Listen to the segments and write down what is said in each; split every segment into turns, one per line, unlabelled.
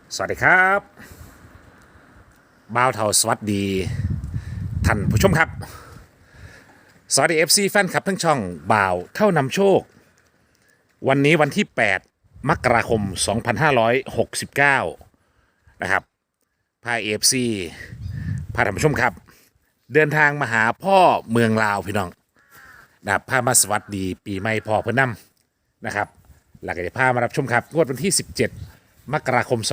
สวัสดีครับบ่าวเทาสวัสดีท่านผู้ชมครับสวัสดี FC แฟนคลับทั้งช่องบ่าวเท่านำโชควันนี้วันที่8มกราคม2569นะครับพา FC พาท่านผู้ชมครับเดินทางมาหาพ่อเมืองลาวพี่น้องนะครับพามาสวัสดีปีใหม่พ่อเพื่อนนำนะครับหลังจากที่พามารับชมครับงวดวันที่17มกราคม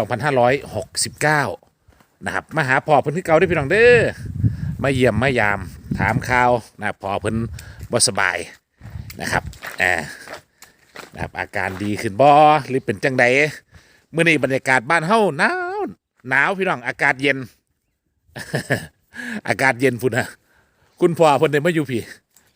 2569นะครับมาหาพ่อเพิ่นที่เก่าได้พี่น้องเด้อมาเยี่ยมมายามถามข่าวนะพ่อเพิ่นบ่สบายนะครับนะครับอาการดีขึ้นบ่หรือเป็นจังใดเมื่อนี้บรรยากาศบ้านเฮาหนาวพี่น้องอากาศเย็น อากาศเย็นพุ่นนะคุณพ่อเพิ่นได้มาอยู่พี่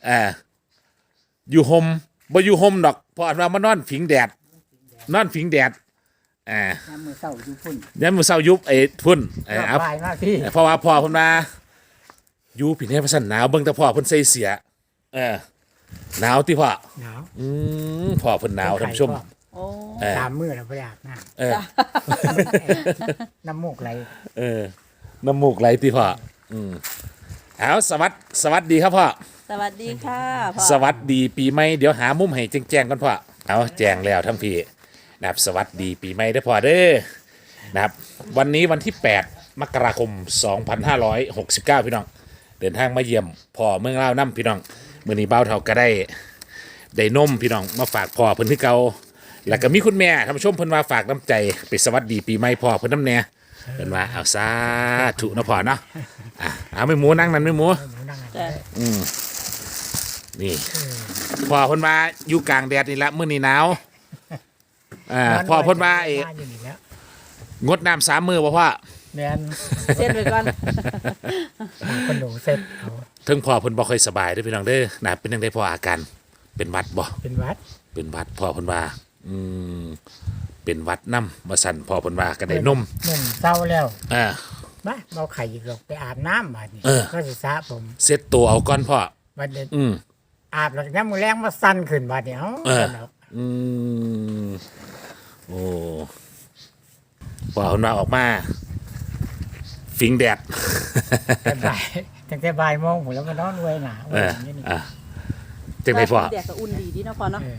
อยู่ห่มบ่อยู่ห่มดอกเพออันว่ามานอนผิงแดดนอนผิงแดด
น้ำมือเศร้าอยู่พุ่น
ยันมื้อเช้ายุบไอ้พุ่นเอา
บายมากพี่
เพราะว่าพ่อเพิ่นมาอยู่พี่เนี่ยว่าซั่นหนาวเบิ่งแต่พ่อเพิ่นใส่เสื้อหนาวติพ่อ
หนาว
พ่อเพิ่นหนาวท่านผู้ชม
โอ้
สามมือแล้วไปอาบน้ำน้ำมูกไหล
น้ำมูกไหลติพ่อเอาสวัสดีครับพ่อ
สวัสดีค่ะพ่อ
สวัสดีปีใหม่เดี๋ยวหามุมให้แจ้งๆก่อนพ่อเอาแจ้งแล้วทั้งพี่นะครับสวัสดีปีใหม่เด้อพ่อเด้อนะครับวันนี้วันที่8มกราคม2569พี่น้องเดินทางมาเยี่ยมพ่อเมืองลาวนํพี่น้องมื้อนี้บ่าวเฒ่าก็ได้นมพี่น้องมาฝากพ่อเพิ่นคือเก่าแล้วก็มีคุณแม่ท่านผู้ชมเพิ่นว่าฝากน้ำใจไปสวัสดีปีใหม่พ่อเพิ่นน้ำแน่เพิ่นว่าเอาสาธุเนาะพ่อเนาะเอาไม่หมูนั่งนั่นไม่หมู
หนูนั่ง
จ้ะ
นี่พ่อเพิ่นว่าอยู่กลางแดดนี่ละมื้อนี้หนาวพ่อเพิ่นว่าไอ้
อยู่นี่แล้ว
งดน้ำ3 มื้อบ่พ่อ
แม่น
เส้นไปก่อน
คนหนูเสร็จเขา
ถึงพ่อเพิ่นบ่ค่อยสบายเด้อพี่น้องเด้อนะเป็นจังได๋พ่ออาการเป็นหวัดบ่
เป็นวัด
เป็นหวัดพ่อเพิ่นว่าเป็นหวัดน้ำมาสั่นพ่อเพิ่นว่าก็ได้นม
หนุ่มเศร้าแล้ว
อ่า
มาเอาไข่อีกหรอกไปอาบน้ำบาดนี้ก็สิสระผม
เซ็ตตัวเอาก่อนพ่อ
บัดนี้
อืม
อาบแล้วน้ำมือแรงมาสั่นขึ้นบาดนี้เอ้า
อืมโอ้พ่อเพิ่นว่าออกมาฟิงแดด
ตั้งแต่บ่ายโมงผมแล้วก็นอนไว้หนาไว้อย่างนี้นี่
จังไดพ่อ
แดดก็อุ่นดีดีเนาะพ่อเนาะ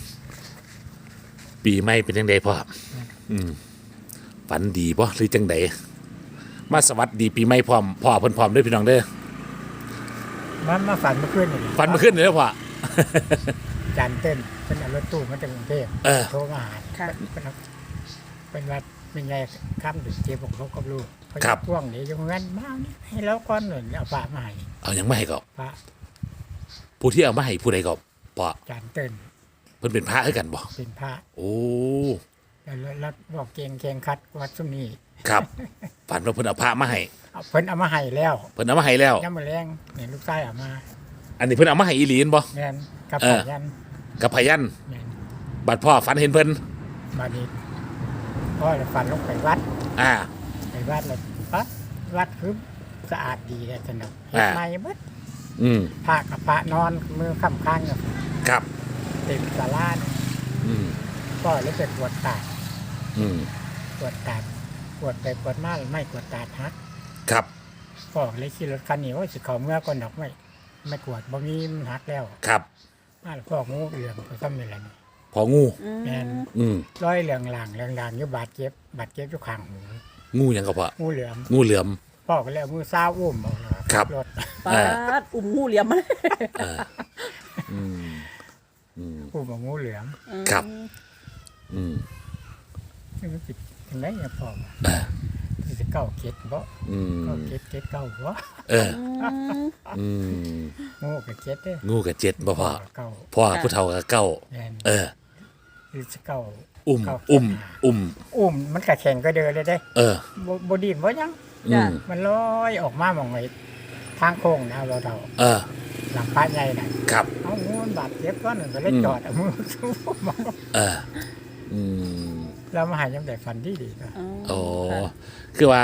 ปีใหม่เป็นจังไดพ่อฝันดีบ่หรือจังไดมาสวัสดีปีใหม่พร้อมพ่อเพิ่นพร้อมเด้อพี่น้องเด้อ
มันมาฝันเมื่อคืนนี่
ฝันเมื่อคืนนี่เด้อพ่อ
จานเต้นเป็นเอารถตู้มาจากกรุงเทพโทรมาหาเป็นวัดเป็นไงข้ามดึกเจ็บของเขากับลูกเขาจะพ่วงเดี๋ยวจะงั้นมานี่ให้แล้วก้อนหนึ่งเอาฝามาให้
เอายังไม่ให้ก็
พระ
ผู้ที่เอามาให้ผู้ใดก็พ่อ
จานเต้น
เพิ่นเป็นพระคือกันบ่
เป็นพระ
โอ้
แล้วบอกเกงคัดวัดสุนี
ครับฝันว่าเพิ่นเอาพระมาให้
เอาเพิ่นเอามาให้แล้ว
เพิ่นเอามาให้แล้ว
ย่ำมาแรงเนี่ยลูกชายเอามา
อันนี้เพิ่นเอามาให้อีหลีนบ่
แม่นกับ
เออ
ยัน
กับพยัน
แม่น
บัดพ่อฝันเห็นเพิ่น
บาดนี้พ่อเลยฝันลงไปวัด
อ่า
ไปวัดเลยวัดคือสะอาดดีเลยสนุกเฮ็ดใหม่เบิด
อืม
พระกับพระนอนมือค้ำข้างกับ
ครับ
เต็มศาลาเนี่ย
อืม
ก็เลยไปปวดตาด
อืม
ปวดตาดปวดไปปวดมาไม่ปวดตาดฮัก
ครับ
ก็เลยขี่รถคันนี้ว่าสิเขาเมื่อก่อนดอกไม่ปวดบ่มีมันหักแล้ว
ครับ
มาแล้วพ่องูเหลืองไปซ้ำนี่แหละนี่
พองู
แม่น
อืม
ร้อยเหลืองหลังอยู่บาดเจ็บอยู่ข้างหู
งูหยังก็พ่อ
งูเหลือม
งูเหลือม
พ่อก็เลยเอามือซ้าวอุ้มเอาเลย
ครับ
รถ
ปาดอุ่มงูเหลี่ยมมา
อืม
อุ้มเอางูเหลือม
ครับ อืม
นี่มันสิถึงไหนเนี่ยพ่อว่าที่จะเก้าเก็ดบ่
อืม
เก้าเก็ดเก้าบ่
เออ อืม
งูกับเก็ดเด้อ
งูกับเจ็ดบ่พ่อ
เก้า
พ่อผู้เฒ่ากับเก้า
แม่น
เออ
ที่จะเก้า
อุ้ม
เก้าเก็ด
อุ้ม
หา
อุ้ม
อุ้มมันก็แข็งก็เดินเลยเด้
เออ
บ่ดินบ่ยัง
อืม
มันลอยออกมาหมองไอ้ทางโค้งนะเรา
เออ
หลังป้าใหญ่น่ะ
ครับ
เอางูมันบาดเจ็บก้อนหนึ่งก็เลยจอดเอามือสู้มา
เออ อืม
เรามาหายังแต่ฟันดีก็
โอ้คือว่า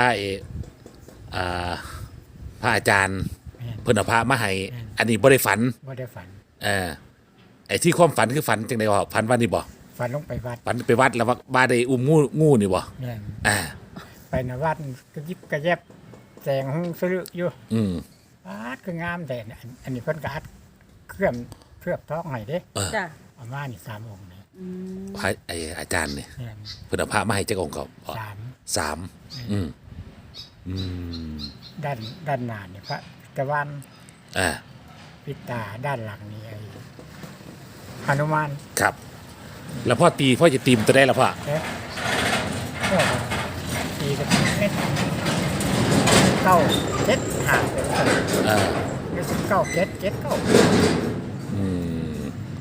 พระอาจารย์
แม่น
เพิ่นเอาพระมาให้
อืม
อันนี้บ่ได้ฝัน
บ่ได้ฝัน
เออ ไอ้ที่ความฝันคือฝันจังได๋บ่ฝันว่านี่บ่
ฝันลงไปวัด
ฝันไปวัดแล้วว่าได้อุ้มงูนี่บ่
แม่น
อ่า
นะวัดก็ยิบกระแยบแสงหงสลึอยู่
อืม
อาดคืองามแต่อันนี้เพิ่นก็อัดเคลือบท้องให้เด้
จ้ะ
ประมาณนี่3องค์นี่
อืม
พระไออาจารย์เนี่ย
แม่น
เพิ่นเอาพระมาให้จักองค์ก็พอ
3
3อืมอืม
ด้านหน้านี่พระตะวัน
อ่า
ปิดตาด้านหลังนี่ไอ้หนุมาน
ครับ แล้วพ่อจะตีมตัวได้แล้วพ่อ
เอ๊ะก็ตีกับเม็ดเก้าเจ็ดห่างไปแล้ว
อ่า
เก้าเจ็ดเจ็ดเก้า
อืม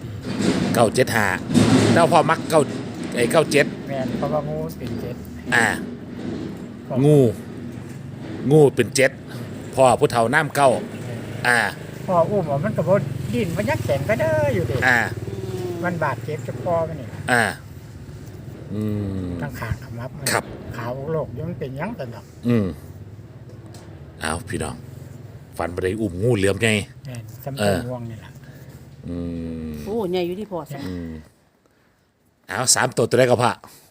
975แล้วพ่อมัก97
แมนเพราะว่างูเป็นเจ็ด
อ่า งูเป็น7พ่อผู้เฒ่าน้ำเก้าอ่า
พออุ้มว่ามันกระโดดดินมันยักแข็งก็เด้ออยู่ดิ
อ่า
มันบาดเจ็บจะพอมันนี่
อ่า อืม
ทั้งขางขมับมัน
ครับ
ขาวโลกยังเป็นหยังแต่ดอก
อืมเอาพี่น้อง ฝันไปได้อุ้มงูเหลือมไง
แมนสำเป็นวงนี่แหละ
อืม
โอ้ใหญ่อยู่ที่พอสัก
เอา3 ตัวได้ก็พอ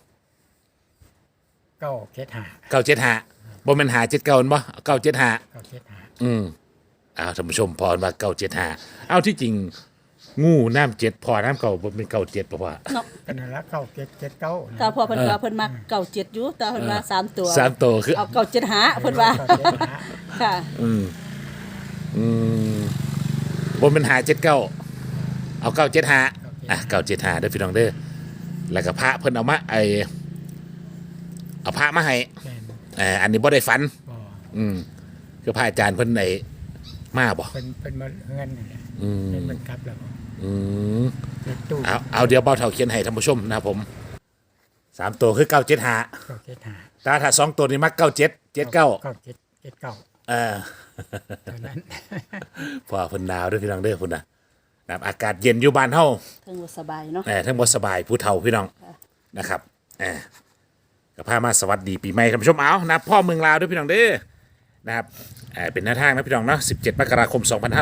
เก้าเจ็ดห้า
975บ่แม่น579บ่975
เก้าเจ็ดห้า
เอาท่านผู้ชมพอมา975เอาที่จริง งูน้ำ7พอน้ำเก่าบ่เป็น97ป่ะพ่อ
เนาะ
ก็นั่นละเก้าเจ็ดเจ็ดเก้า
แต่พอเพิ่นว่าเพิ่นมักเก่าเจ็ดอยู่แต่เพิ่นว่า3 ตัว
3 ตัวคือ
เอาเก่าเจ็ดหาเพิ่นว่า
เก้าเจ็ดห้า
ค่ะ
อืมบ่แม่น579เอา975อ่ะ975เด้อพี่น้องเด้อแล้วก็พระเพิ่นเอามาเอาพระมาให้
แมน
อันนี้บ่ได้ฝัน
บ่
คือพระอาจารย์เพิ่นมาบ่
เป็นมาเฮือนนี่แหละ
อืม
เป็นมันกลับแล้วบ่
อืม
เป็นตู้
เอาเดี๋ยวเบาเท่าเขียนให้ท่านผู้ชมนะครับผม3 ตัวคือ975
เก้าเจ็ดห้า
แต่ถ้า2 ตัวนี่มัก97 79
เก้าเจ็ดเจ็ดเก้า
เออ
เท่านั้น
พอเพิ่นดาวด้วยพี่น้องเด้อพุ่นนะครับอากาศเย็นอยู่บ้านเฮา
เพิ่นว่าสบายเนาะ
ทั้งบ่สบายผู้เฒ่าพี่น้องนะครับก็พามาสวัสดีปีใหม่ท่านผู้ชมเอานะพ่อเมืองลาวด้วยพี่น้องเด้อนะครับเป็นหน้าทางนะพี่น้องเนาะ17 มกราคม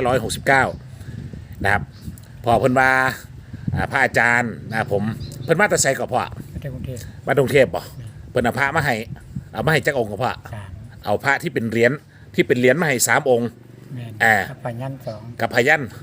2569นะครับพ่อเพิ่นว่าพระอาจารย์นะครับผมเพิ่นมาแต่ไสก็พ่อ
ประเทศกรุงเทพ
มากรุงเทพบ่เพิ่นเอาพระมาให้เอามาให้จักองค์ก็พ่อ
สาม
เอาพระที่เป็นเหรียญมาให้3 องค์
แมน
อ่า
กับปัญญันสอง
กับพยัน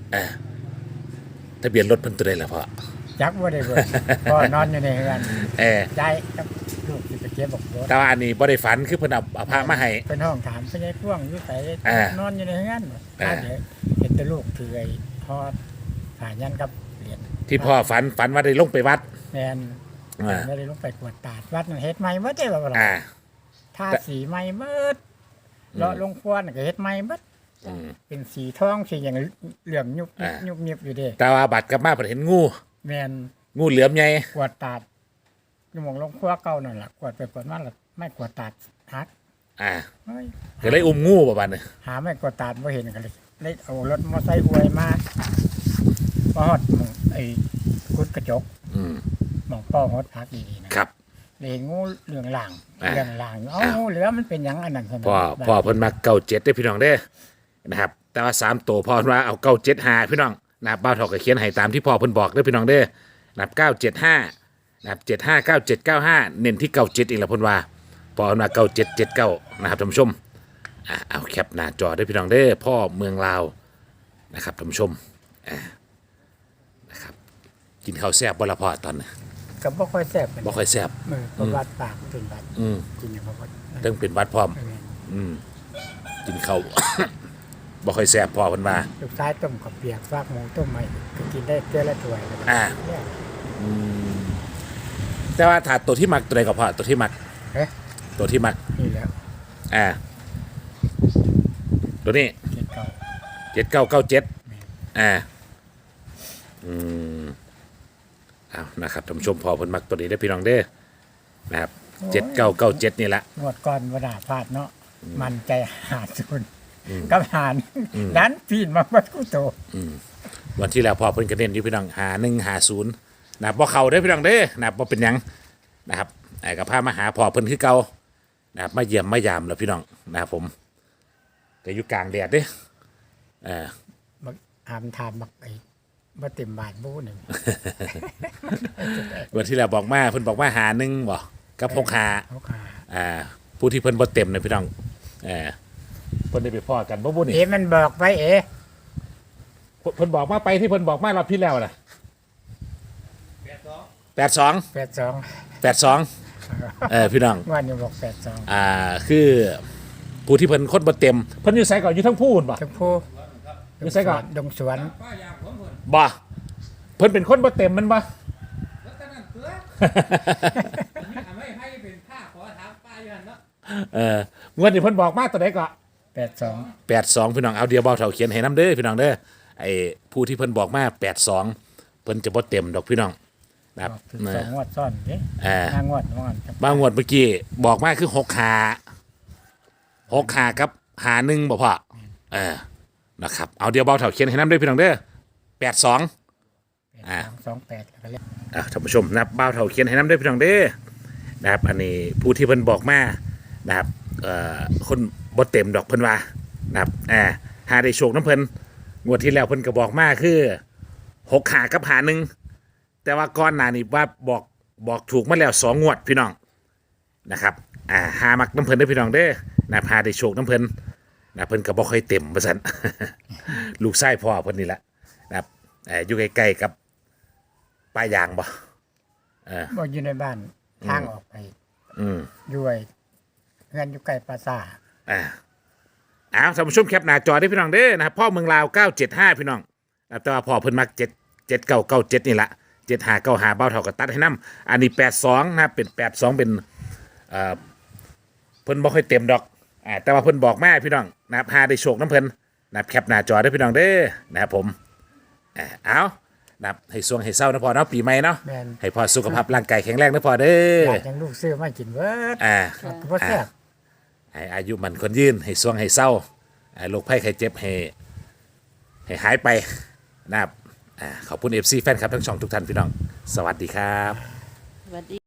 ทะเบียนรถเพิ่นตัวใดล่ะพ่อ
จักว่าได้เบิดพ่อนอนอยู่ในเฮือน
เออ
ย้ายกับลูกที่ไปเก็บบอกรถ
แต่ว่าอันนี้บ่ได้ฝันคือเพิ่นเอาพระมาให้
เป็นห้องถามไปยายพ่วงอยู่ไส
อ่าน
อนอยู่ในเฮือน
อ่า
เดี๋ยวเห็นแต่ลูกถือไอ้ทอดผ่ายันกับเหรียญ
ที่พ่อฝันว่าได้ลงไปวัด
แมน
อ่า
ไม่ได้ลงไปกวดตาดวัดนั่นเฮ็ดใหม่เบิดได้บ่ล่ะ
อ่า
ทาสีใหม่เบิดเลาะลงครัวน่ะก็เฮ็ดใหม่เบิด
อืม
เป็นสีทองสีอย่างเหลื่อมยุบ
อ่า
ยุบยิบอยู่เด้
แต่ว่าบัดกลับมาเพิ่นเห็นงู
แมน
งูเหลือมใหญ่
กวดตาดอยู่หมองลงครัวเก่านั่นล่ะกวดไปกวดมาแล้วไม่กวดตาดฮัก
อ่า
เฮ้ย
ก็เลยอุ้มงูบ่บัดนี้
หาไม่กวดตาดบ่เห็นกันเลยเอารถมอไซค์อวยมาฮอดหม้องไอ้กุดกระจก
อืม
หมองป้อฮอดพักดีๆนะครับ เลยเห็นงูเหลืองหลาง
อ่า
เหลืองหลางเอ้างูเหลือมันเป็นหยังอันนั้นซั่น
พ่อเพิ่นมา97เด้อพี่น้องเด้อนะครับ แต่ว่า3 ตัวพ่อเพิ่นว่าเอา975พี่น้องนะครับบ้าวเฒ่าก็เขียนให้ตามที่พ่อเพิ่นบอกเด้อพี่น้องเด้อนะครับ975นะครับ759795เน้นที่97อีกแล้วเพิ่นว่าพ่อเพิ่นว่า9779นะครับท่านผู้ชมเอาแคปหน้าจอเด้อพี่น้องเด้อพ่อเมืองลาวนะครับท่านผู้ชมนะครับกินข้าวแซ่บบ่ละพ่อตอนนี้
ก็บ่ค่อยแซ่บปาน
บ่
ใด
ค่อยแซ่บ
ประวัติปากเป็นบัด
อืม
กินอย่างบ่ค่อย
เรื่องเป็นหวัดพร้อม กินข้าว บ่ค่อยแซ่บพ่อเพิ่นว่า
ลูกชายต้มกับเปียกฟากหมูต้มใหม่ก็กินได้เทื่อละถ้วยแล้วก็
อ่า
เนี่ย
แต่ว่าถ้าตัวที่มักตัวใดก็พอตัวที่มัก
เอ๊ะ
ตัวที่มัก
นี่แล้ว
อ่า ตัวนี้
เจ็ดเก่า
7997เอานะครับท่านผู้ชมพอเพิ่นมักตัวนี้ได้อพี่น้องเด้อนะครับ7997นี่ละ
งวดก่อนบ่ได้พลาดเนาะมันใจหาดซุนกับหานดันปีนมาบ่ทุกโต
วันที่แล้วพอเพิ่นก็เน้นอยู่พี่น้อง5150นะครับบ่เข้าเด้อพี่น้องเด้อนะครับบ่เป็นหยังนะครับไอ้ก็พามาหาพ่อเพิ่นคือเก่านะครับมาเยี่ยมมายามแล้วพี่น้องนะครับผมก็อยู่กลางแดดเด้อ
บักหามถามบักไอ้บ่เต็มบาทบู้หนึง
วันที่แล้วบอกมาเพิ่นบอกว่าหา1บ่กับ65
เขาขา
อ่าผู้ที่เพิ่นบ่เต็มนะพี่น้องเพิ่นได้ไปพ่อกันบ่บุนี่
เอ๋มันบอกไปเอ๋
เพิ่นบอกมาไปที่เพิ่นบอกมารอบที่แล้วน่ะ82
82
พี่น้อง
วันนี้บอก82
คือผู้ที่เพิ่นคนบ่เต็มเพิ่นอยู่ไสก่อนอยู่ทั้งพูนบ่
ชมพู
อยู่ไสก่อน
ดงสวน
บ่เพิ่นเป็นคนบ่เต็มมันบ่ งวดนี้เพิ่นบอกมาตัวใดก็
82
82พี่น้องเอาเดียวเบาเท่าเขียนให้นํเด้อพี่น้องเด้อไอ้ผู้ที่เพิ่นบอกมา82เพิ่นจะบ่เต็มดอกพี่น้องนะครับ
ถึง2งวดซ้อนเด้ 5งวดว่างั้น
บางงวดเมื่อกี้บอกมาคือ6หากับหา1บ่พอนะครับเอาเดียวเบาเท่าเขียนให้นํเด้อพี่น้องเด้อ82
28แล้วก็เรียก
ท่านผู้ชมนะครับบ่าวเถาเขียนให้น้ำได้พี่น้องเด้อนะครับอันนี้ผู้ที่เพิ่นบอกมานะครับคนบ่เต็มดอกเพิ่นว่านะครับหาได้โชคน้ำเพิ่นงวดที่แล้วเพิ่นก็บอกมาคือ6หากับหา1แต่ว่าก่อนหน้านี้ว่าบอกถูกมาแล้ว2งวดพี่น้องนะครับหามักน้ำเพิ่นได้อพี่น้องเด้อนะครับหาได้โชคน้ำเพิ่นนะเพิ่นก็บ่ค่อยเต็มว่าซั่น ลูกชายพ่อเพิ่นนี่แหละนะครับอยู่ใกล้ๆกับป้ายางบ่
บ่อยู่ในบ้านทางออกไปด้วยเงินอยู่ใกล้ปราสาท
เอาท่านผู้ชมแคปหน้าจอได้พี่น้องเด้อนะครับพ่อเมืองลาว975พี่น้องแต่ว่าพ่อเพิ่นมัก7997นี่ละ7595เบ้าเท่ากับตัดให้นํอันนี้82นะครับเป็น82เป็นเพิ่นบ่ค่อยเต็มดอกแต่ว่าเพิ่นบอกมาพี่น้องนะครับหาได้โชคน้ำเพิ่นนะครับแคปหน้าจอได้พี่น้องเด้อนะครับผมเอานะครับให้สวงให้เศร้านะพ่อเนาะปีใหม่เนาะ
แม่น
ให้พ่อสุขภาพร่างกายแข็งแรงนะพ่อเด้อ
อยากจังลูกซื้อมากินเบิดก็บ่แซ่บ
ให้อายุมันคนยืนให้สวงให้เศร้าโรคภัยไข้เจ็บให้หายไปนะครับขอบคุณ FC แฟนครับทั้งช่องทุกท่านพี่น้องสวัสดีครับ
สวัสดี